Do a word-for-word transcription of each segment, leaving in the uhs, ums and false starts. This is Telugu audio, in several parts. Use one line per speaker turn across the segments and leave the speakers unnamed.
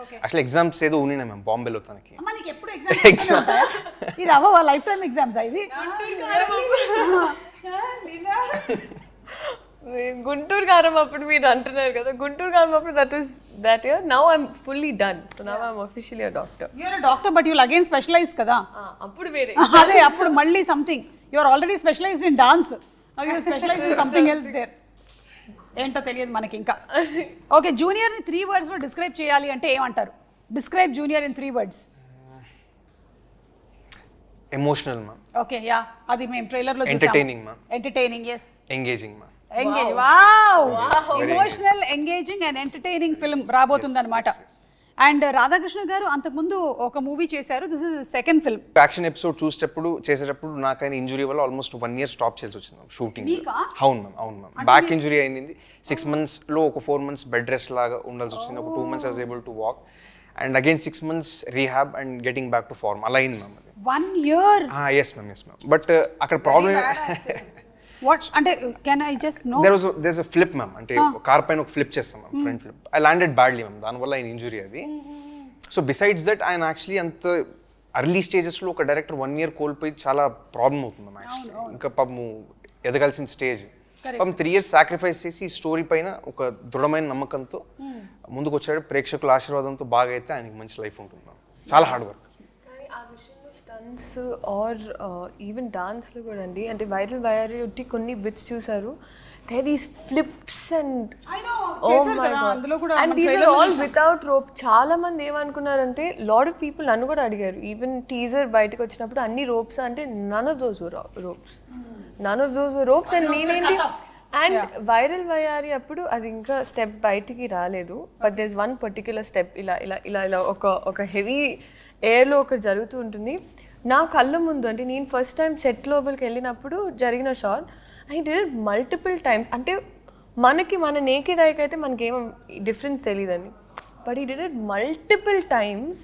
యాక్చువల్లీ ఎగ్జామ్స్ ఏదో ఉన్నాయి మ్యామ్ బాంబేలో తనకి.
మనకి ఎప్పుడు ఎగ్జామ్స్ ఇది అవ్వ లైఫ్ టైమ్ ఎగ్జామ్స్ ఇవి.
గుంటూరు కారం అప్పుడు మీరు అంటున్నారు కదా, గుంటూరు కారం అప్పుడు that was that year. Now I'm fully done, so now I'm officially a doctor.
You are a doctor but you again specialise కదా.
అప్పుడు వేరే
అదే అప్పుడు మళ్ళీ something you are already specialised in dance, now you are specialised in something else there. ఏంటో తెలియదు మనకి ఇంకా. ఓకే, జూనియర్ ని త్రీ వర్డ్స్ లో డిస్క్రైబ్ చేయాలి అంటే ఏమంటారు? Describe junior in three words.
Emotional ma'am.
Okay, yeah అది మేము ట్రైలర్ లో చూసాము.
Entertaining ma'am.
Entertaining, yes.
Engaging ma'am.
Engage, wow, emotional, engaging and entertaining film రాబోతుంది అనమాట. అండ్ రాధాకృష్ణ గారు అంతకుముందు ఒక మూవీ చేశారు, this is second film.
Action episode చూసేటప్పుడు చేసేటప్పుడు నాకైనా ఇంజురీ వల్ల ఆల్మోస్ట్ వన్ ఇయర్ స్టాప్ చేయాల్సి వచ్చింది మ్యామ్ షూటింగ్. అవును మ్యామ్, అవును మ్యామ్. బ్యాక్ ఇంజురీ అయింది. సిక్స్ మంత్స్ లో ఒక ఫోర్ మంత్స్ బెడ్ రెస్ట్ లాగా ఉండాల్సి వచ్చింది. ఒక two months I was able to walk and again six months rehab and getting back to form అలా అయింది మ్యామ్. అది
one year.
Yes ma'am, yes ma'am. But అక్కడ ప్రాబ్లమ్
వాట్ అంటే can I just know
there was there is a flip ma'am. అంటే కార్ పైన ఒక ఫ్లిప్ చేస్తాం ma'am, front flip. I landed badly ma'am, దానివల్ల ఆయన ఇంజురీ అది. సో బిసైడ్స్ దట్ ఆయన యాక్చువల్లీ అంత అర్లీ స్టేజెస్లో ఒక డైరెక్టర్ వన్ ఇయర్ కోల్పోయి చాలా ప్రాబ్లం అవుతుంది మ్యామ్ యాక్చువల్లీ. ఇంకా పాపము ఎదగాల్సిన స్టేజ్ పాపం త్రీ ఇయర్స్ సాక్రిఫైస్ చేసి ఈ స్టోరీ పైన ఒక దృఢమైన నమ్మకంతో ముందుకు వచ్చాడు. ప్రేక్షకుల ఆశీర్వాదంతో బాగా అయితే ఆయనకి మంచి లైఫ్ ఉంటుంది మ్యామ్. చాలా hard work.
Stunts or even డాన్స్లో కూడా అండి, అంటే వైరల్ వైరల్ ఒట్టి కొన్ని బిట్స్ చూసారు, they these flips and and these are all without rope. చాలా మంది ఏమనుకున్నారంటే, లాట్ ఆఫ్ పీపుల్ నన్ను కూడా అడిగారు, ఈవెన్ టీజర్ బయటకు వచ్చినప్పుడు అన్ని రోప్స్ అంటే none of those ropes, none of those ropes. And నేనేంటి అండ్ వైరల్ వయారి అప్పుడు అది ఇంకా స్టెప్ బయటికి రాలేదు, but there is one particular step ఇలా ఇలా ఇలా ఇలా ఒక ఒక హెవీ ఎయిర్లో ఒకటి జరుగుతూ ఉంటుంది నా కళ్ళ ముందు. అంటే నేను ఫస్ట్ టైం సెట్ లోపలికి వెళ్ళినప్పుడు జరిగిన shot, I did it multiple times. అంటే మనకి మన నేకెడ్ ఐకి అయితే మనకేం డిఫరెన్స్ తెలియదండి, బట్ ఈ did it multiple times.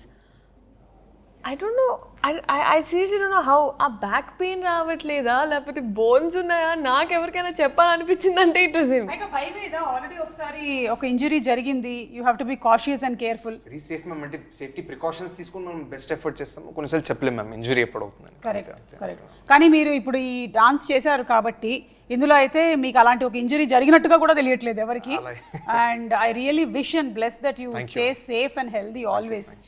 I don't know, I I seriously don't know how. ఆ బ్యాక్ పెయిన్ రావట్లేదా లేకపోతే బోన్స్ ఉన్నాయా, నాకు ఎవరికైనా చెప్పాలనిపించింది అంటే ఇట్ వాస్ హిమ్.
ఆల్రెడీ ఒకసారి ఒక ఇంజరీ జరిగింది, you have to be cautious and careful.
Very safe ma'am. అంటే సేఫ్టీ ప్రికాషన్స్ తీసుకుని మనం బెస్ట్ ఎఫర్ట్ చేస్తాము. కొన్నిసార్లు చెప్పలేము మ్యామ్ ఇంజరీ ఎప్పుడు అవుతుందని.
Correct, correct. కానీ మీరు ఇప్పుడు ఈ డాన్స్ చేశారు కాబట్టి ఇందులో అయితే మీకు అలాంటి ఒక ఇంజరీ జరిగినట్టుగా కూడా తెలియట్లేదు ఎవరికి. And I really wish and bless that you stay safe and healthy always.